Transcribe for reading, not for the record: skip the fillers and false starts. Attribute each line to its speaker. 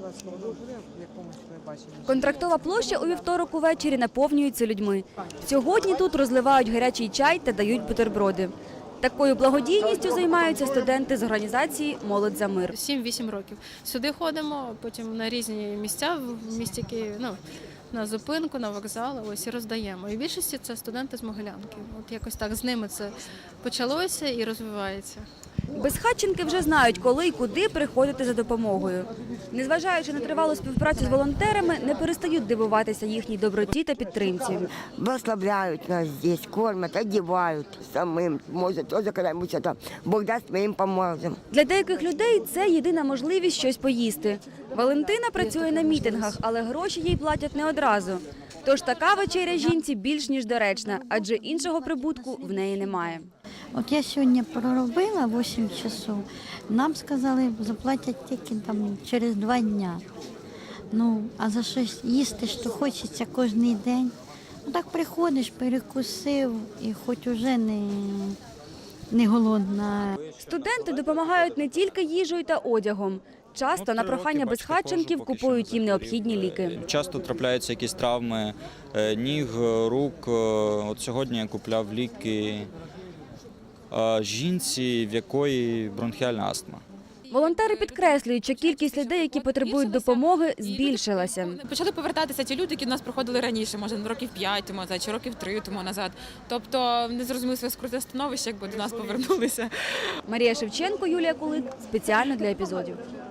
Speaker 1: Контрактова площа у вівторок увечері наповнюється людьми. Сьогодні тут розливають гарячий чай та дають бутерброди. Такою благодійністю займаються студенти з організації «Молодь за мир».
Speaker 2: 7-8 років. Сюди ходимо, потім на різні місця в місті Києві, на зупинку, на вокзал, ось і роздаємо. І в більшості це студенти з Могилянки. От якось так з ними це почалося і розвивається.
Speaker 1: Безхатченки вже знають, коли і куди приходити за допомогою. Незважаючи на тривалу співпрацю з волонтерами, не перестають дивуватися їхній доброті та підтримці.
Speaker 3: Благословляють нас здесь, кормят, одевают самим. Може, теж коли-небудь там Бог дасть, ми їм поможемо.
Speaker 1: Для деяких людей це єдина можливість щось поїсти. Валентина працює на мітингах, але гроші їй платять не одразу. Тож така вечеря жінці більш ніж доречна, адже іншого прибутку в неї немає.
Speaker 4: От я сьогодні проробила 8 часов, нам сказали, заплатять тільки там через 2 дня. Ну, а за щось їсти, що хочеться кожен день. Ну так приходиш, перекусив і хоч уже не голодна.
Speaker 1: Студенти допомагають не тільки їжею та одягом. Часто на прохання безхатченків купують їм необхідні ліки.
Speaker 5: Часто трапляються якісь травми ніг, рук. От сьогодні я купляв ліки жінці, в якої бронхіальна астма.
Speaker 1: Волонтери підкреслюють, що кількість людей, які потребують допомоги, збільшилася.
Speaker 6: Почали повертатися ті люди, які до нас приходили раніше, може років 5 тому назад, чи років 3 тому назад. Тобто не зрозуміли своє скруте становище, якби до нас повернулися.
Speaker 1: Марія Шевченко, Юлія Кулик. Спеціально для епізодів.